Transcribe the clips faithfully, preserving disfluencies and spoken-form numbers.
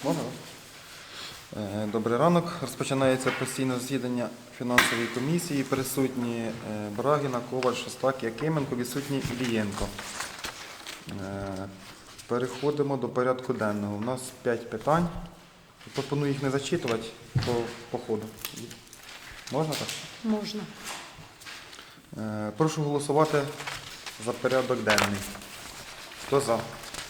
Можна? Е, Добрий ранок. Розпочинається постійне засідання фінансової комісії. Присутні е, Брагіна, Коваль, Шостак, Якименко, відсутній Ілієнко. Е, Переходимо до порядку денного. У нас п'ять питань. Пропоную їх не зачитувати по, по ходу. Можна так? Можна. Е, Прошу голосувати за порядок денний. Хто за?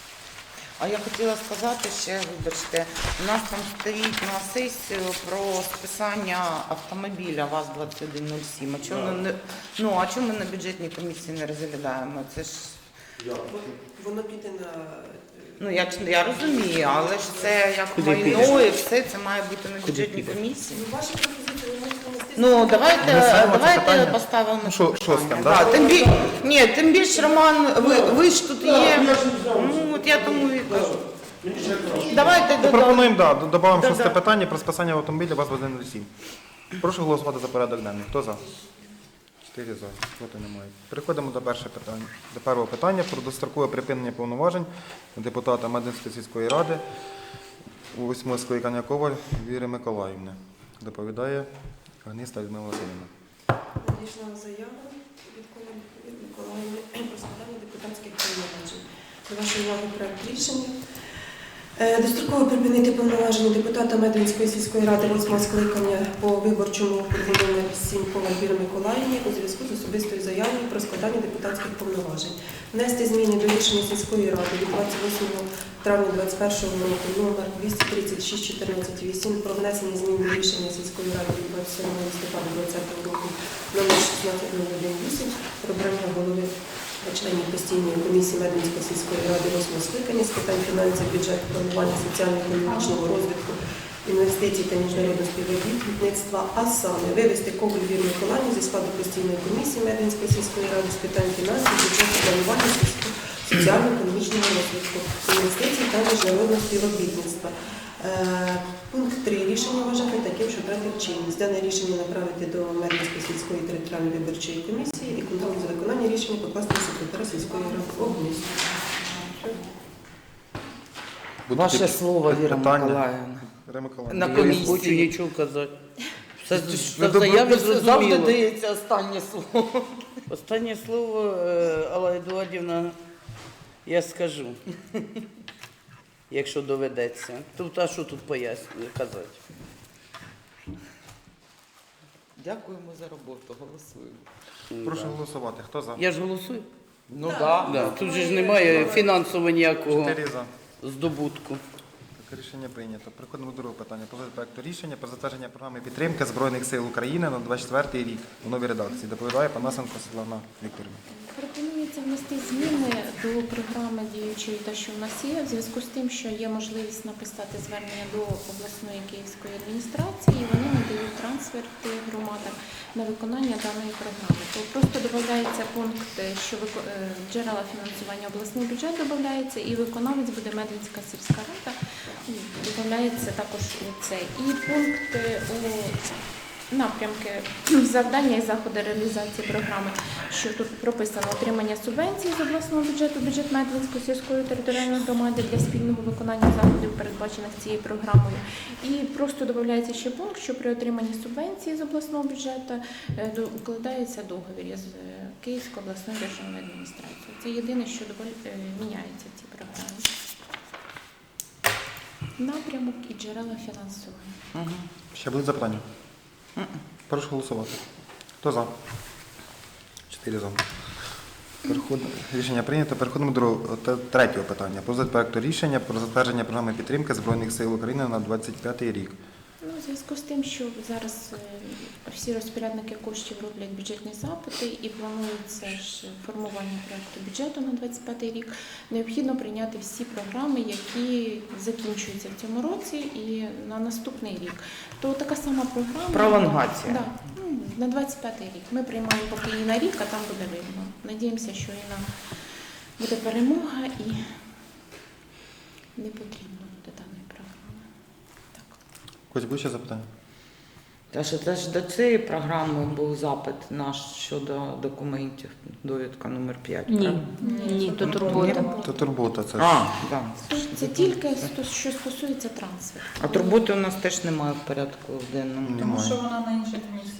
А я хотіла сказати ще, вибачте, у нас там стоїть на сесію про списання автомобіля ВАЗ двадцять один нуль сім. А чому, не, ну, а чому ми на бюджетній комісії не розглядаємо? Це ж, Воно піде на... ну, я, я розумію, але ж це як Куди майно піде? і все, це має бути на бюджетній піде? комісії. Ну, ваші пропозиції ви можете внести... Ну, давайте, Внесемо це давайте питання. поставимо Ну, шо- це шостим, питання. да? Да, тим більше, ні, тим більше, Роман, ви, ви ж тут є. Ну, от я тому і кажу. Давайте додамо. Пропонуємо, да, додамо Да-да. шосте питання про списання автомобіля ВАЗ двадцять один нуль сім. Прошу голосувати за порядок денний. Хто за? Чотири за. Проти немає. Переходимо до першого питання. До першого питання про дострокове припинення повноважень депутата Мединської сільської ради у восьмого скликання Коваль Віри Миколаївни. Доповідає Гниста Людмила Васильівна. Надійшла заява від Коваль Миколаївни про складання депутатських повноважень. До вашої уваги проект рішення. Е, Достроково припинити повноваження депутата Мединської сільської ради восьмого скликання по виборчому округу номер сім Коваль Віри Миколаївні у зв'язку з особистою заявою про складання депутатських повноважень. Внести зміни до рішення сільської ради від двадцять восьмого травня двадцять першого року номер двісті тридцять шість чотирнадцять вісім про внесення змін до рішення сільської ради від двадцять сьомого листопада двадцятого року номер шістнадцять нуль один вісім про обрання голови членів постійної комісії Мединської сільської ради восьмого скликання з питань фінансів, бюджету, планування соціально-економічного розвитку, інвестицій та міжнародного співробітництва, а саме вивести Коваль Віру Миколаївну зі складу постійної комісії Мединської сільської ради з питань фінансів, бюджету, планування соціально-економічного розвитку, інвестицій та міжнародного співробітництва. Е, Пункт три. Рішення вважати таким, що втратив чинність. Дане рішення направити до Мединської сільської територіальної виборчої комісії і контроль за виконання рішення покласти на секретаря сільської ради області. Будуть Ваше якісь слово, Віра питання? Миколаївна. Віра Миколаївна. На Я не комісії. хочу нічого казати. Все Ви в добре- заяві Завжди зрозуміло. дається останнє слово. Останнє слово, е, Алла Едуардівна, я скажу. Якщо доведеться. Тут, а що тут пояснює казати? Дякуємо за роботу, голосуємо. Прошу Да. голосувати. Хто за? Я ж голосую? Ну так. Да. Тут же ж немає фінансово ніякого Чотири за. здобутку. Так, рішення прийнято. Переходимо до другого питання. Про проекту рішення про затвердження програми підтримки Збройних сил України на двадцять четвертий рік у новій редакції. Доповідає Панасенко Світлана Вікторівна. Пропонується внести зміни до програми діючої, та що в нас є, в зв'язку з тим, що є можливість написати звернення до обласної київської адміністрації, і вони надають трансферти громадам на виконання даної програми. То просто додається пункт, що вико- е, джерела фінансування обласний бюджет додається, і виконавець буде Мединська сільська рада, додається також і цей. І пункт е, у напрямки завдання і заходи реалізації програми, що тут прописано отримання субвенцій з обласного бюджету, бюджет Медвинської сільської територіальної громади для спільного виконання заходів, передбачених цією програмою. І просто додається ще пункт, що при отриманні субвенції з обласного бюджету е, до- укладається договір з е, Київською обласною державною адміністрацією. Це єдине, що доволі е, міняється в цій програмі. Напрямок і джерела фінансування. Ще будуть запитання? Прошу голосувати. Хто за? Чотири за. Переход... Рішення прийнято. Переходимо до другого- та- третього питання. Про проекту рішення про затвердження програми підтримки Збройних сил України на двадцять п'ятий рік. Ну, у зв'язку з тим, що зараз е, всі розпорядники коштів роблять бюджетні запити і планується ж формування проекту бюджету на двадцять п'ятий рік, необхідно прийняти всі програми, які закінчуються в цьому році і на наступний рік. То така сама програма. Пролонгація. Да, ну, на двадцять п'ятий рік. Ми приймаємо поки її на рік, а там буде видно. Надіємося, що і нам буде перемога і не потрібно буде даної програми. Так. Хоч будуть ще запитання? Та що це ж до цієї програми був запит наш щодо документів, довідка номер п'ять. Ні, ні, то турбота. Це турбота, це ж. А, да. Це тільки сто- що стосується трансферту. А турботи у нас теж немає в порядку денному. Тому Немає. що вона на іншій комісії.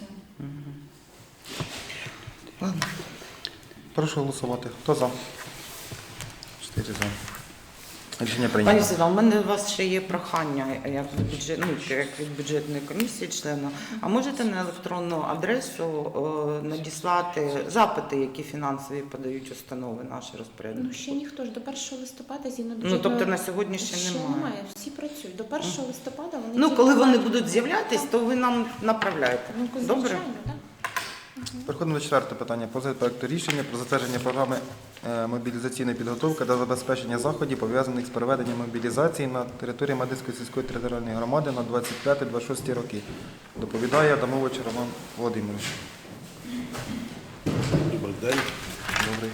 Ладно. Прошу голосувати. Хто за? Чотири за. Рішення Пані прийнято. Світлана, у мене у вас ще є прохання, як від, бюджет, ну, як від бюджетної комісії члена. А можете на електронну адресу е, надіслати запити, які фінансові подають установи наші Ну розпорядники? ще ніхто ж до першого листопада згідно Ну, бюджетної- тобто на сьогодні ще ще немає. немає. Всі працюють. До першого листопада вони Ну, тільки коли вони мають- будуть з'являтись, то ви нам направляєте. Ну, Добре? звичайно, так. Переходимо до четвертого питання. Позит проекту рішення про затвердження програми е, мобілізаційної підготовки та забезпечення заходів, пов'язаних з проведенням мобілізації на території Медицької сільської територіальної громади на двадцять п'яте - двадцять шосте роки. Доповідає Адамович Роман Володимирович. Добрий день. Добрий.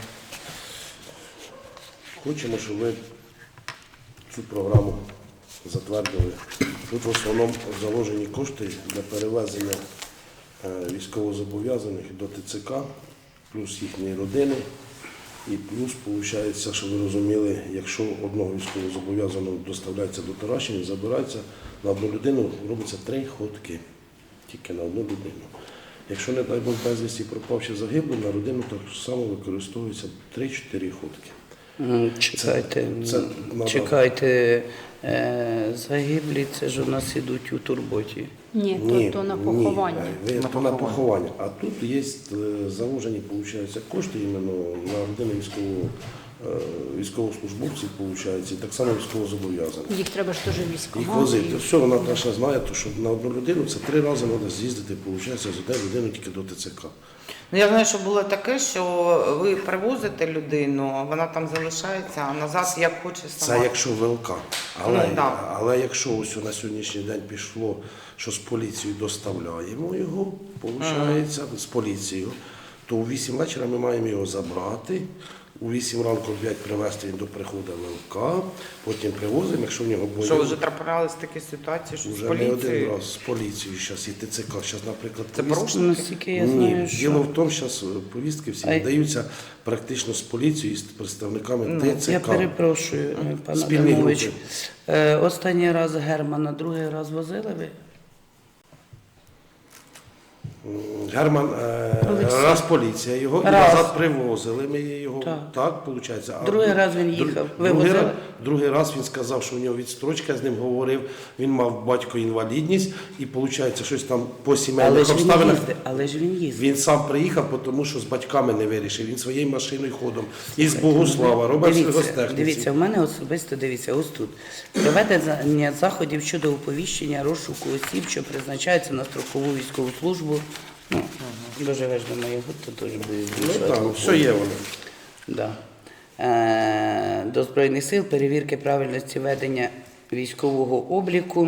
Хочемо, щоб ви цю програму затвердили. Тут в основному заложені кошти для перевезення е, військовозобов'язаних до ТЦК, плюс їхньої родини. І плюс, виходить, що ви розуміли, якщо одного військовозобов'язаного доставляється до Таращини, забирається на одну людину, робиться три ходки. Тільки на одну людину. Якщо, не дай Бог, безвісті пропавши загиблий, на родину так само використовується три-чотири ходки. М, Чекайте, Це- це м, надо- чекайте, е, загиблі, це ж у нас ідуть у турботі. Ні, то, то на поховання. Ні, ви- На то на поховання. поховання. А тут є е, заложені, виходить, кошти іменно на родини військового, е, військовослужбовців, виходить, і так само військовозобов'язаних. Їх треба ж теж Їх військомат. возити. Все, вона Наташа знає, то, що на одну людину це три рази треба з'їздити, виходить, з однієї людини тільки до ТЦК. Ну, я знаю, що було таке, що ви привозите людину, вона там залишається, а назад як хоче сама. Це якщо ВЛК. Але, Ну, да. але якщо ось на сьогоднішній день пішло, що з поліцією доставляємо його, виходить, з поліцією, то у вісім вечора ми маємо його забрати, у вісім ранку опять привезти він до приходу ВЛК, потім привозимо, якщо в нього бойові. Що вже траплялись такі ситуації, що з Вже не один поліцією? раз з поліцією зараз і ТЦК. Зараз, наприклад, Це повістки- порушення? Наскільки я Ні, знаю, що... діло в тому, що зараз повістки всі А й- надаються практично з поліцією і з представниками Ну, ТЦК. Я перепрошую, е, пане Спільні Адамович. групи. Е, Останній раз Германа, другий раз возили ви? Герман, е, Олексій. раз поліція його і Раз. назад привозили. Ми його Так. так, виходить. А Другий друг- раз він друг- їхав. Ви Другий, возили? раз- другий раз він сказав, що у нього відстрочка, я з ним говорив. Він мав батько інвалідність і виходить, щось там по Але сімейних ж він обставинах. їздив. Але ж він їздив. Він сам приїхав, тому що з батьками не вирішив. Він своєю машиною ходом. Із Богослава, робить Дивіться, гостехніці. дивіться, в мене особисто, дивіться, ось тут. Проведення заходів щодо оповіщення розшуку осіб, що призначаються на строкову військову службу. Ну, доживеш до моєго, то теж буде Ну більше. так, все є воно. Да. Е, до Збройних сил, перевірки правильності ведення військового обліку.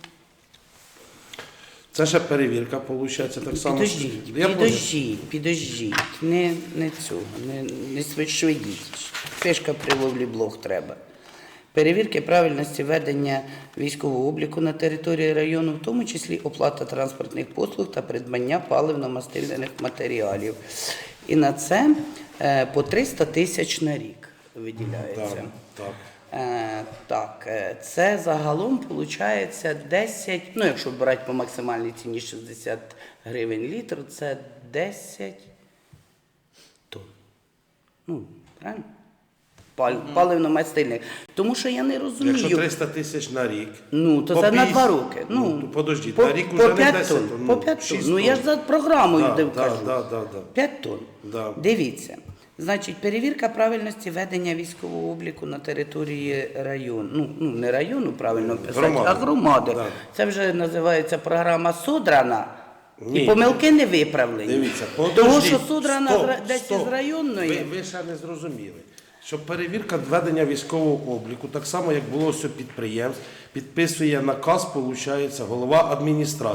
Це ще перевірка, виходить, так само. Підождіть, Я понял. підождіть, підождіть. Не, не цього, не, не швидіть. Фишка при ловлі блох треба. Перевірки правильності ведення військового обліку на території району, в тому числі оплата транспортних послуг та придбання паливно-мастильних матеріалів. І на це е, по триста тисяч на рік виділяється. Так, так. Е, так, е, це загалом виходить десять, ну якщо брати по максимальній ціні шістдесят гривень літр, це десять тонн. Ну, правильно? Пал, Паливно-мастильних. Тому що я не розумію. Якщо триста тисяч на рік. Ну, то по це на п'ятдесят два роки. Ну, Ну, то подождіть, по, на рік по уже не п'ять десять тонн. тонн, По ну, п'ять тонн. шість Ну, я ж тонн. за програмою Да, де да, кажу. да, да, да. п'ять тонн. Да. Дивіться. Значить, перевірка правильності ведення військового обліку на території району. Ну, ну не району, правильно писати, Громади. а громади. Да. Це вже називається програма Содрана. Ні. І помилки не виправлені. Дивіться, Того, подождіть. що Содрана Стоп, з- десь стоп. із районної. Ви, ви ще не зрозуміли. Що перевірка ведення військового обліку, так само, як було все підприємств, підписує наказ, виходить, голова адміністрації.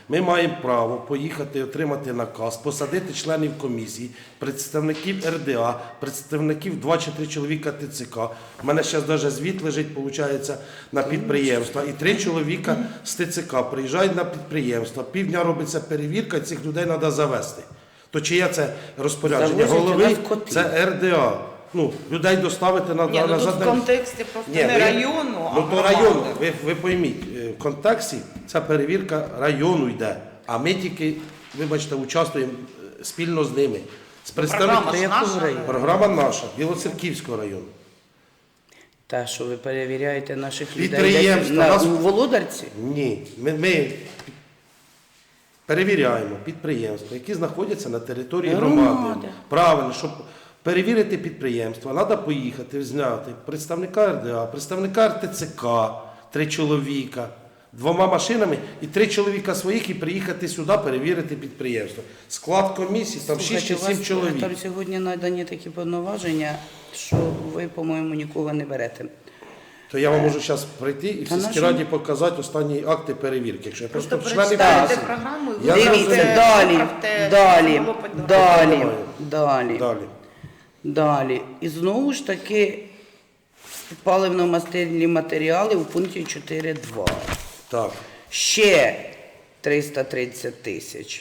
Ми маємо право поїхати отримати наказ, посадити членів комісії, представників ер де а, представників два чи три чоловіка те це ка. У мене зараз навіть звіт лежить, виходить, на підприємства. І три чоловіка з те це ка приїжджають на підприємство. Півдня робиться перевірка, і цих людей треба завести. То чиє це розпорядження? Завозять у Голови нас коти. це ер де а. Ну, людей доставити на, Ні, ну назад. тут в контексті просто Ні, не ви- району, а Ну то громади. району, ви, ви пойміть, е, в контексті ця перевірка району йде, а ми тільки, вибачте, участвуємо е, спільно з ними. З Програма ж представниками. наша. Програма наша, Білоцерківського району. Та, що ви перевіряєте наших людей Підприємства, десь на, нас- у Володарці? Ні, ми, ми перевіряємо підприємства, які знаходяться на території Громади. громади. Правильно, щоб перевірити підприємства, треба поїхати, зняти представника ер де а, представника ер те це ка, три чоловіка, двома машинами і три чоловіка своїх і приїхати сюди перевірити підприємство. Склад комісії, там шість чи Слухайте, у сім вас чоловік. Там сьогодні надані такі повноваження, що ви, по-моєму, нікого не берете. То я вам можу зараз прийти і в Та на сільській що? раді показати останні акти перевірки. Якщо я Просто просто члени прочитайте комісії. програму і Я виправте- Дивіться, далі, виправте, далі, що було під- далі, Давай. далі, Далі. далі. І знову ж таки паливно-мастильні матеріали у пункті чотири два. Так. Ще триста тридцять тисяч.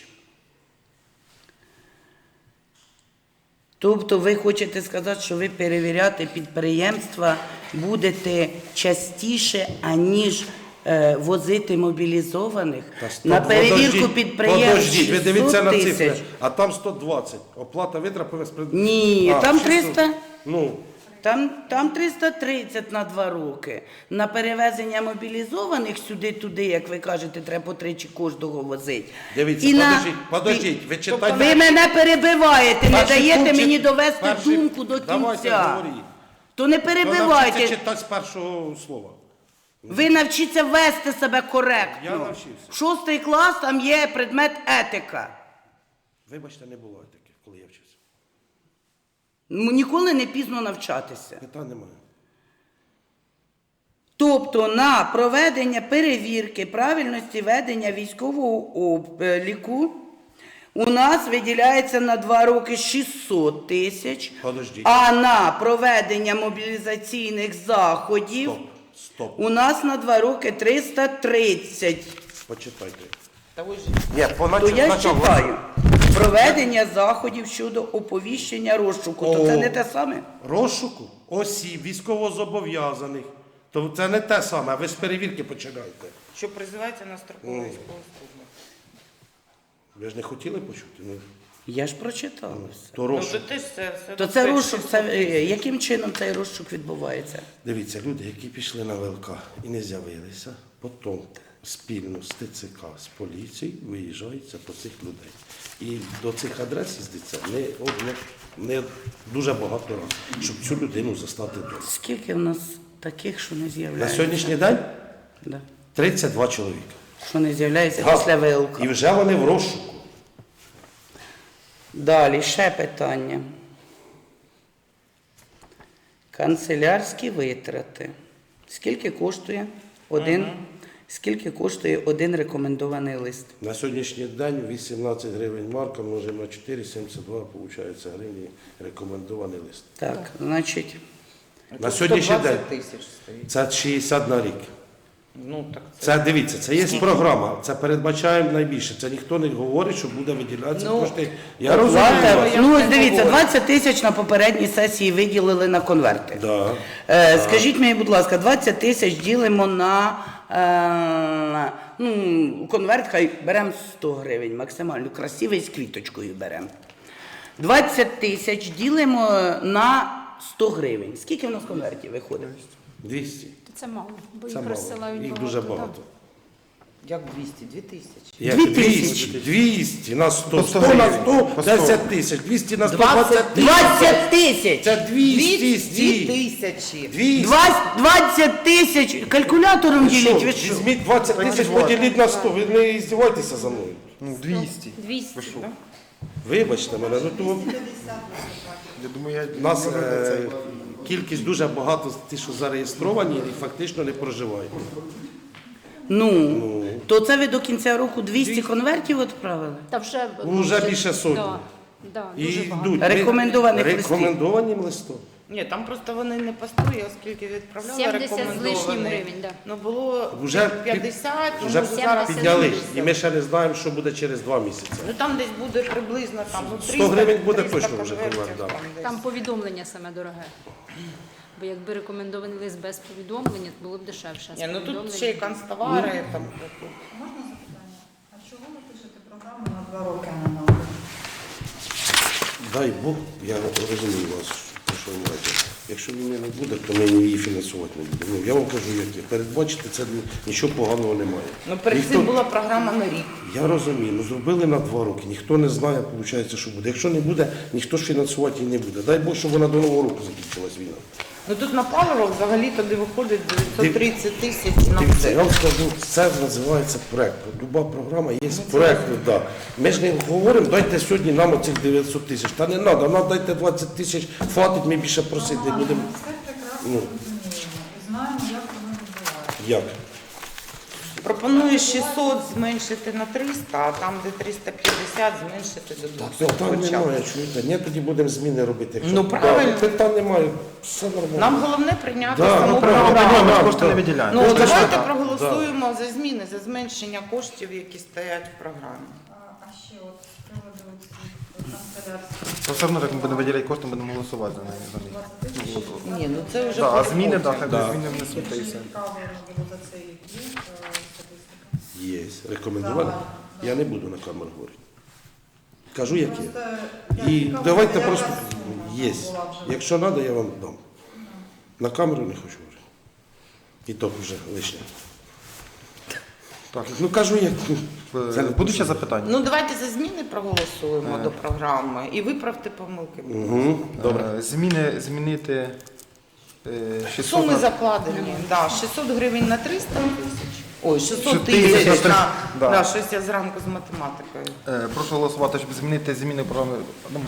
Тобто ви хочете сказати, що ви перевіряти підприємства будете частіше, аніж е, возити мобілізованих? Та стоп, На перевірку подождіть, підприємств подождіть, ви дивіться на шістсот цифри, тисяч. а там сто двадцять. Оплата витрат спред... Ні, А, там шістсот. триста. Ну, Там, там триста тридцять на два роки. На перевезення мобілізованих сюди-туди, як ви кажете, треба по тричі кожного возити. дивіться, І на- подождіть, подождіть, ви читайте. Ви мене перебиваєте, не Перший даєте пункт, мені довести перший- думку до Давайте, кінця. говоріть. То не То навчіться перебивайте. читати з першого слова. Ви навчіться вести себе коректно. Я навчився. Шостий клас, там є предмет етика. Вибачте, не було таке, коли я вчився. Ну, ніколи не пізно навчатися. Питань немає. Тобто на проведення перевірки правильності ведення військового обліку у нас виділяється на два роки шістсот тисяч, Подождіть. а на проведення мобілізаційних заходів Стоп, стоп. у нас на два роки триста тридцять. Почитайте. Та ви ж Ні, по То я читаю. Проведення заходів щодо оповіщення розшуку. То це О. не те саме? Розшуку осіб, військовозобов'язаних. То це не те саме, а ви з перевірки починаєте. що призивається на строкову військову службу. Ви ж не хотіли почути? Ну, Я ж прочитала все. то Ну, розшук. то теж це, це То це розшук, це, е, яким чином цей розшук відбувається? Дивіться, люди, які пішли на ВЛК і не з'явилися, потім спільно з те це ка, з поліцією виїжджаються по цих людей. І до цих адрес їздиться не, одне, не дуже багато разів, щоб цю людину застати вдома. Скільки в нас таких, що не На з'являється? сьогоднішній день Да. тридцять два чоловіка. Що не з'являється Га. після ВЛК. І вже вони в розшуку. Далі ще питання. Канцелярські витрати. Скільки коштує один, скільки коштує один рекомендований лист? На сьогоднішній день вісімнадцять гривень марка множимо на чотири, сімдесят два, виходить гривні рекомендований лист. Так, значить, На сьогоднішній сто день двадцять тисяч стоїть. це шістдесят на рік. Ну, так це... Це дивіться, це є програма, це передбачаємо найбільше. Це ніхто не говорить, що буде виділятися Ну, кошти. Я розумію. Оплата- вас. ну, ось дивіться, двадцять тисяч на попередній сесії виділили на конверти. Да. Е, скажіть мені, будь ласка, двадцять тисяч ділимо на е, ну, конверт, хай беремо сто гривень, максимально красивий з квіточкою беремо. двадцять тисяч ділимо на сто гривень. Скільки в нас конвертів виходить? двісті. Це мало, бо Це їх мало. розсилають Їх багато, дуже да. багато. Як двісті? Дві тисячі. Як Дві двісті, тисячі. двісті на сто, По сто сто на гривень. сто, По сто. десять тисяч, двісті на сто, двадцять тисяч. двадцять тисяч! Це двісті, Дві стій. тисячі. двісті. Двадцять- двадцять тисяч! Калькулятором Ви що, діліть, ви що? візьміть двадцять тисяч, поділіть на сто, ви не здівайтеся за мною. Ну, двісті. двісті, Ви що? да? Вибачте мене, ну то Я думаю, я у нас не е, цей. кількість дуже багато ті, що зареєстровані і фактично не проживають. Ну, Ну. то це ви до кінця року двісті конвертів відправили? Та вже, Ну, вже більше сотні. Да, да, І дуже багато. йдуть. Рекомендованих листів. Рекомендованим листом. Ні, там просто вони не постої, оскільки відправляли сімдесят з рекомендовані. лишнім гривень, да. Ну було Вже п'ятдесят, ну, Вже може, зараз підняли. сімдесят. І ми ще не знаємо, що буде через два місяці. Ну там десь буде приблизно там, ну, сто триста, гривень буде триста точно вже конвертів конверт, да. там десь. Там повідомлення саме дороге. Бо якби рекомендований лист без повідомлення, то було б дешевше. а з Ні, ну тут повідомленням- ще й канцтовари, там, тут. Можна запитання? А чого ви пишете програму на два роки, а не на один? Дай Бог, я розумію вас, про що ви маєте. Якщо війни не буде, то ми її фінансувати не будемо. Ну, я вам кажу, як є. Передбачити це нічого поганого немає. Ну перед Ніхто- цим була програма на рік. Я розумію, ну зробили на два роки, ніхто не знає, виходить, що буде. Якщо не буде, ніхто ж фінансувати її не буде. Дай Бог, щоб вона до Нового року закінчилась війна. Ну тут на паливо взагалі туди виходить дев'ятсот тридцять тисяч на Дивіться, я все. вам скажу, це називається проект. Люба програма є проект. Да. Ми ж не говоримо, дайте сьогодні нам оцих дев'ятсот тисяч. Та не треба, нам дайте двадцять тисяч, хватить, ми більше просити не будемо. Ми все прекрасно Ну. розуміємо і знаємо, як воно відбувається. Як? Пропоную шістсот зменшити на триста, а там, де триста п'ятдесят, зменшити до двохсот. Питань хоча б. немає, чуєте? Ні, тоді будемо зміни робити. Якщо- Ну, правильно. Да, питань немає, все нормально. Нам головне прийняти Да, саму ну, правильно, програму. да, Кошти да. не виділяємо. Ну Кошти давайте ж- проголосуємо за зміни, за зменшення коштів, які стоять в програмі. А, а ще от з приводу цих канцелярських То все одно, як ми будемо виділяти кошти, будемо голосувати за неї. за неї. двадцять тисяч. Ні, ну це вже Да, а по зміни, роботі. так, хай Да. зміни внесуть та і все. Цікаво було за цей рік є е, статистика. Є, рекомендували. Я не буду на камеру говорити. Кажу, як є. Просто я І цікава, давайте яка просто сума є. була вже? Якщо треба, я вам дам. На камеру не хочу говорити. І то вже лишнє. Так, Ну кажу, як. Це не будуть ще запитання? Ну давайте за зміни проголосуємо до програми і виправте помилки. Угу. Добре. Е, Зміни, змінити е, шістсот Суми на- закладені, да, шістсот гривень на триста тисяч. Ой, шістсот шістсот тисяч тисяч на на, триста, да. да, щось я зранку з математикою. Е, Прошу голосувати, щоб змінити зміни програми. Ну,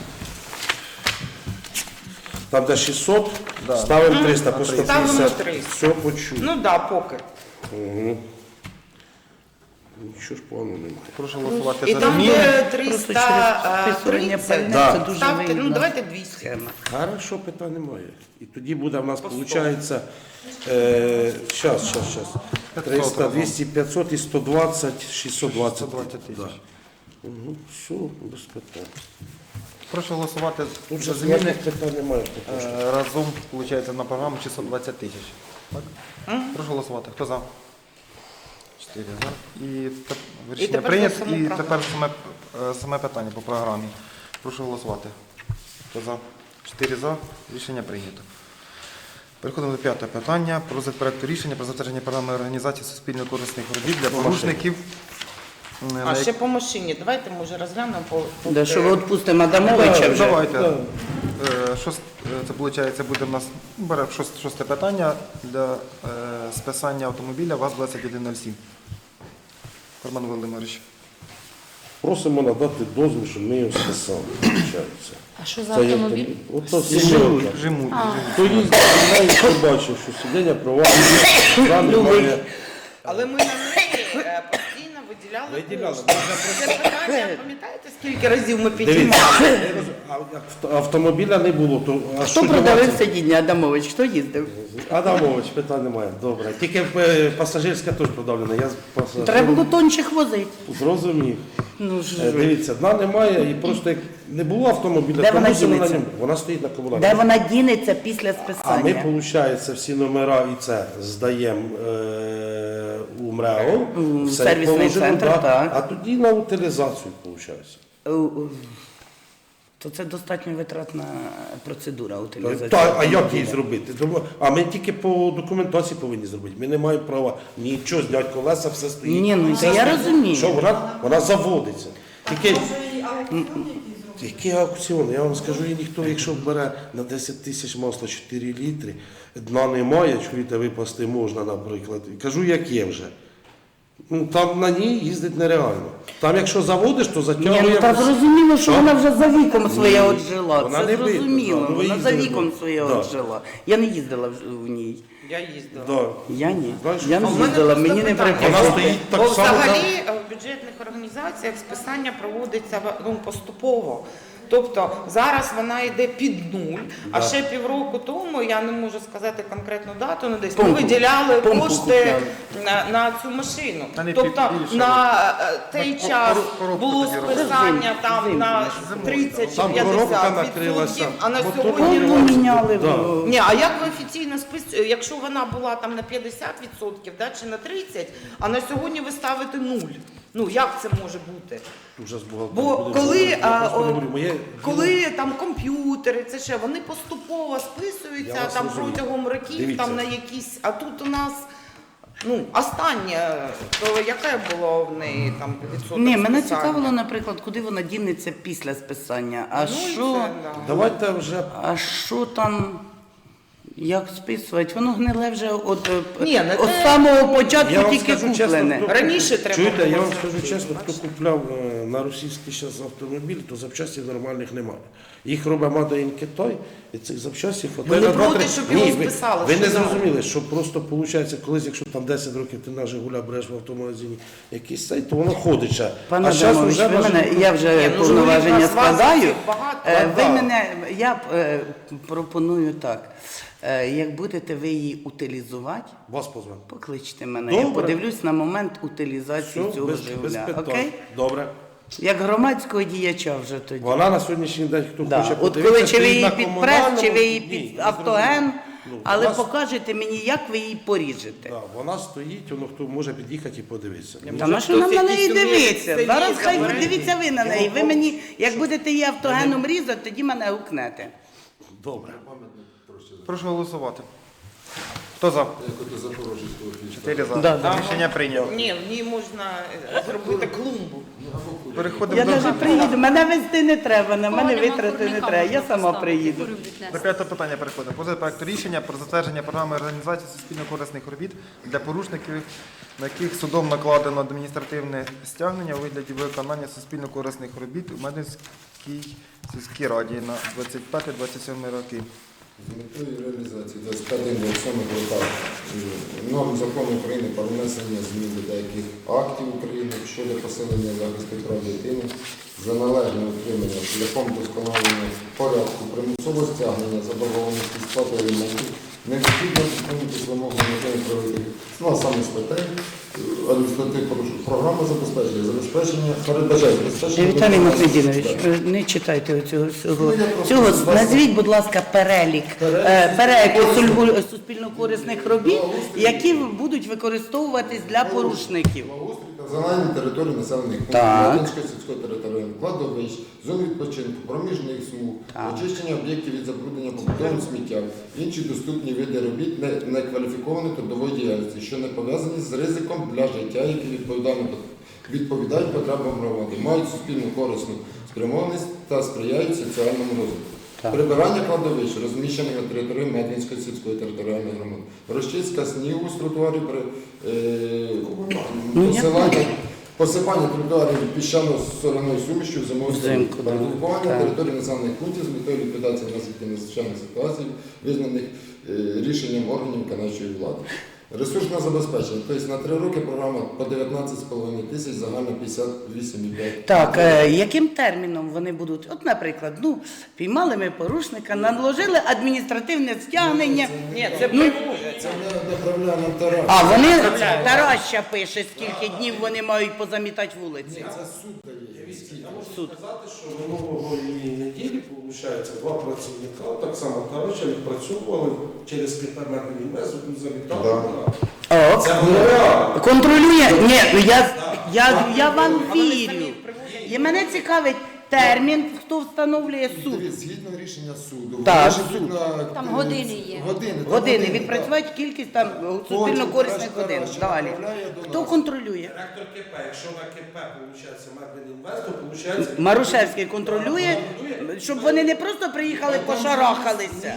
Там де шістсот, Да. ставимо триста по Ставимо сто п'ятдесят. триста. Все почув. Ну так, да, поки. Угу. Нічого ж поганого немає. Прошу голосувати І за там, зміни. де Просто через триста списування тридцять, пальне Да. це дуже ставте, ну вигідна давайте двісті. схема. Хорошо, питань немає. І тоді буде в нас, виходить, е, щас, щас, щас. триста, двісті, п'ятсот і сто двадцять, шістсот двадцять. сто двадцять тисяч. Да. Угу. Все, без питань. Прошу голосувати Тут за же зміни. ніяких питань немає. по кошту. Е, Разом, виходить, на програму шістсот двадцять тисяч. Так? Прошу голосувати. Хто за? Чотири за. І, теп- рішення тепер прийнято. за саму І програму. тепер саме, е, саме питання по програмі. Прошу голосувати. Хто за? Чотири за. Рішення прийнято. Переходимо до п'ятого питання. Про розгляд проекту рішення про затвердження програми організації суспільно-корисних робіт для порушників. е, на А як- ще по машині. Давайте може розглянемо по, по Да, що ви відпустимо Адамовича Так, вже. Давайте. Е, шост- е, Це виходить, буде в нас бере шост- шосте питання для е, списання автомобіля ВАЗ двадцять один нуль сім. Роман Володимирович. Просимо надати дозвіл, щоб ми його списали. виходить. А що за Це є автомобіль? там- Ото сімерка. Жиму. Хто їздить, знає, хто бачив, що сидіння провадження, там немає. Але ми на неї е, постійно виділяли Виділяли. кошти. Це питання, пам'ятаєте, скільки разів ми Дивіться, підіймали? а авто- автомобіля не було, то а Хто що продавив дівати? сидіння, Адамович? Хто їздив? Адамович, питань немає. Добре. Тільки е, пасажирська теж продавлена. Я з пасажиром Треба було тончих возити. зрозумів. Ну Е, ж, Дивіться, дна немає і просто як не було автомобіля, Де то вона мусимо на дінеться? ньому. Вона стоїть на комунальному. де вона дінеться після А списання? ми, виходить, всі номера і це здаємо е, у МРЕО, У все сервісний положено, центр, да, так. а тоді на утилізацію, виходить. Е, е, То це достатньо витратна процедура утилізації. Так, а як автомобіля. її зробити? Тому- А ми тільки по документації повинні зробити. Ми не маємо права нічого зняти колеса, все стоїть. Ні, ну, Все це я стоїть. розумію. Що вона, вона заводиться. Тільки Може і аукціон якийсь зробити? який аукціон? Я вам скажу, і ніхто, якщо бере на десять тисяч масла чотири літри, дна немає, чуєте, випасти можна, наприклад. Кажу, як є вже. Ну, там на ній їздить нереально. Там, якщо заводиш, то Ні, затягує. ну так зрозуміло, що Що? вона вже за віком своє Ні, отжила. вона Це не видно, зрозуміло, да, ну, ви вона за їздили, віком да. своє Да. отжила. Я не їздила в в ній. Я їздила. Да. Я ні. Знаєш, Я А не в мене їздила, просто мені не питання. Вона приходить. стоїть так Бо само, взагалі там- е, в бюджетних організаціях списання проводиться ну, поступово. Тобто зараз вона йде під нуль, а Да. ще півроку тому, я не можу сказати конкретну дату, ну десь ми Помпу. виділяли Помпу кошти купляли. на, на цю машину. Та не Тобто пі- більше, на е, той Кор- час кор- коробку було тоді робили. списання там Зиму. на Зиму. тридцять чи Там коробка п'ятдесят накрилася, відсотків, а на мотор сьогодні Повну міняли. Да. в- ні, а як ви офіційно списуєте, якщо вона була там на п'ятдесят відсотків, да, чи на тридцять, а на сьогодні ви ставите нуль? Ну як це може бути? Вже з бухгалтером Бо будемо коли, говорити. Я а, просто о, говорю, моє- коли там комп'ютери, це ще вони поступово Я списуються вас там розумію. протягом років, Дивіться. там на якісь, а тут у нас. Ну, останнє, то яке було в неї там відсоток Ні, мене списання? цікавило, наприклад, куди вона дінеться після списання. А Ну, і що, це, да. Давайте вже а що там, як списувати? Воно гниле вже от, Ні, не от те. самого початку Я вам тільки скажу чесно, куплене. хто- Раніше треба Чуєте, я було вам це скажу робити, чесно, хто купляв е, на російський зараз автомобіль, то запчастів нормальних немає. Їх робить Made in Китай, і цих запчастів Ви хватає не на два-три- проти, щоб його Ні, ви- списали, Ви що не да. зрозуміли, що просто виходить, колись, якщо там десять років ти на Жигуля береш в автомагазині якийсь цей, то воно ходить ще. Пане а зараз Адамович, вже ви може- мене, я вже Ні, ну, повноваження Жигулів у нас складаю. власників багато. Е, Ви Так. мене, я е, пропоную так. Е, Як будете ви її утилізувати, Вас позвемо. покличте мене. Я Добре. подивлюсь на момент утилізації Все, цього без, без Жигуля. питань. Окей? Добре. Як громадського діяча вже тоді. Вона на сьогоднішній день, хто Да. хоче От подивитися, коли чи ви стоїть її на під прес, комунальному. чи ви її Ні, під не автоген, зрозуміло. Ну, але вона- покажете мені, як ви її поріжете. Да, вона стоїть, воно хто може під'їхати і подивитися. Ні, Та може, на що нам хтось на неї якийсь уміє дивитися? сидіти, Зараз хай говорити. дивіться ви на неї. Ви мені, як будете її автогеном різати, тоді мене гукнете. Добре. Прошу голосувати. Хто за? Чотири за. Рішення прийнято. Ні, в ній можна е, зробити клумбу. Переходимо Я до, навіть приїду, мене везти не треба, на мене Кого нема витрати не курника, треба, я можна сама поставити, приїду. курю віднести. до п'ятого питання переходимо. Позит проекту рішення про затвердження програми організації суспільно-корисних робіт для порушників, на яких судом накладено адміністративне стягнення у вигляді виконання суспільно-корисних робіт у Мединській сільській раді на двадцять п'яте - двадцять сьоме роки. З метою реалізації двадцять п'ятого - двадцять сьомого роках норм закону України про внесення змін до деяких актів України щодо посилення захисту прав дитини за належне утримання шляхом досконалення порядку примусового стягнення заборгованості сплати аліментів необхідно зупинитись вимогами правових ну, а саме статей адміністративних порушень. Програма забезпечення, забезпечення, передбачає забезпечення... Віталій виконання- Махмедінович, Так. не читайте цього всього. Ну, я просто Цього з вас- назвіть, будь ласка, перелік, е, перелік сульгу- суспільно-корисних робіт, які будуть використовуватись для порушників. Благоустрій та загальні території населених пунктів, Так. Мединської сільської території, кладовищ, зон відпочинку, проміжних смуг, Так. очищення об'єктів від забруднення побутовим сміттям, інші доступні види робіт не- некваліфікованої трудової діяльності, що не пов'язані з ризиком для життя, які відповідально відповідають потребам громади, мають суспільну корисну спрямованість та сприяють соціальному розвитку. Так. Прибирання кладовищ, розміщених на території Медвінської сільської територіальної громади. Розчистка снігу з тротуарів, при, е, Ну, я посилання, посипання тротуарів піщано-соляною сумішю в зимову Взимку, да. передбування Так. території населених пунктів з метою ліквідації наслідків надзвичайних ситуацій, визнаних е, рішенням органів виконавчої влади. Ресурсне забезпечення. Тобто на три роки програма по дев'ятнадцять з половиною тисяч, загально п'ятдесят вісім і п'ять. Так, е, яким терміном вони будуть? От, наприклад, ну, піймали ми порушника, наложили адміністративне стягнення. Ні, це Ну, Це не направляє нам тариф. а вони, Тараща пише, скільки днів вони мають позамітати вулиці. Це суд дає. Я можу сказати, що минулої неділі, виходить, два працівника, так само Тараща, відпрацьовували через кілометрів інвесту, завітали. Да. О, Це було реально. контролює. Ні, ну я, я, я вам вірю. І мене цікавить термін, хто встановлює суд. Дивіться, згідно рішення суду. Так, вони живуть на- Там години є. Години, там Години, так. відпрацювати кількість там суспільно-корисних годин. Далі. Хто контролює? Директор КП, якщо на КП, виходить, Медведінвест, то виходить... Марушевський контролює, щоб вони не просто приїхали, пошарахалися,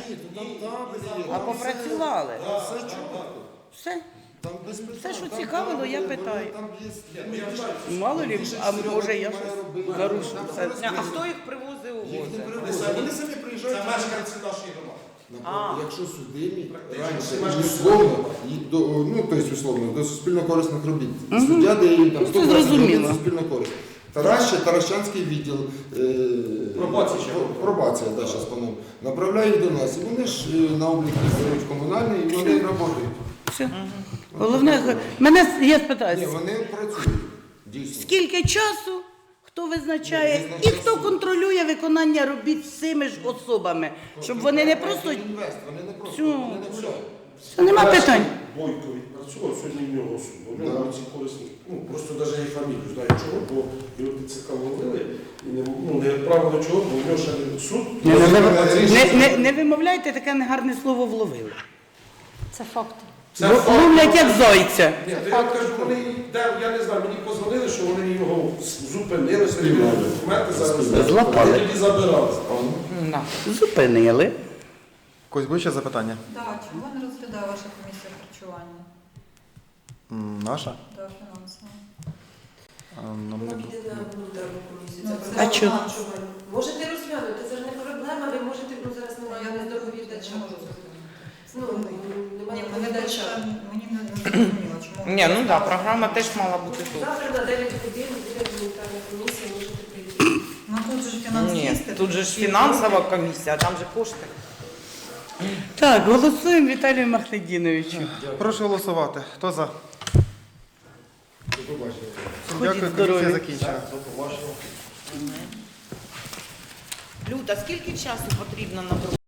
а попрацювали. Все чітко. Все. Там без питань. Все, що Там- цікавило, там я буде- питаю. Там є... Мало лі, а може я щось нарушу. Все. А хто їх привозив у возі? Вони самі приїжджають. Це мешканці нашої громади. А. Якщо судимі раніше условно, і до, ну, тобто условно, до суспільно-корисних робіт, суддя дає їм там Ну, сто це двадцять робіт зрозуміло. суспільно-корисних. Тараща, Таращанський відділ е, Пробація ще. пробація, да, зараз по-новому, направляє їх до нас. І вони ж е, на облік беруть комунальний, і вони працюють. Все. Головне, мене я Ні, спитаюся, вони працюють, дійсно. скільки часу, хто визначає, Ну, і визначає хто суд. контролює виконання робіт з цими ж особами, щоб вони не просто... Інвест, вони не просто, Цю- вони не гуляють. Все, нема питань. Бойко відпрацював, сьогодні в нього суд. Бо в нього Да. ці корисні, ну просто навіть і фамілію знаю чого, бо його ТЦК ловили і не, ну, не відправили чого, бо в нього ще не суд. Не, не, не, не, не вимовляйте таке негарне слово вловили. Це факти. Це Лов- факт. Ловлять як зайця. Ні, то я кажу, вони, де, я не знаю, мені позвонили, що вони його зупинили, перевірили документи, зараз Злапали. вони тоді забирали. Да. Зупинили. Когось буде ще запитання? Да, чого не розглядає ваша комісія харчування? М, Наша? Да, фінансово. А, нам не Вона бу- піде на гуманітарну комісію. Ну, Це це програма А чого? харчування. Можете розглянути, це ж не проблема, ви можете, ну зараз немає Я не доповідача. не можу зрозуміти. Ну, немає Ні, мене доповідача. мені не не зрозуміло, чому. Ні, ну так, да, програма теж мала бути тут. Завтра на дев'ять годин буде гуманітарна комісія, можете прийти. Ну тут же ж Ні, фінансисти. тут же ж фінансова комісія, а там же кошти. Так, голосуємо Віталію Махледіновичу. Прошу голосувати. Хто за? До побачення. Всім Ходіть дякую, здорові. комісія закінчена. Люда, скільки часу потрібно на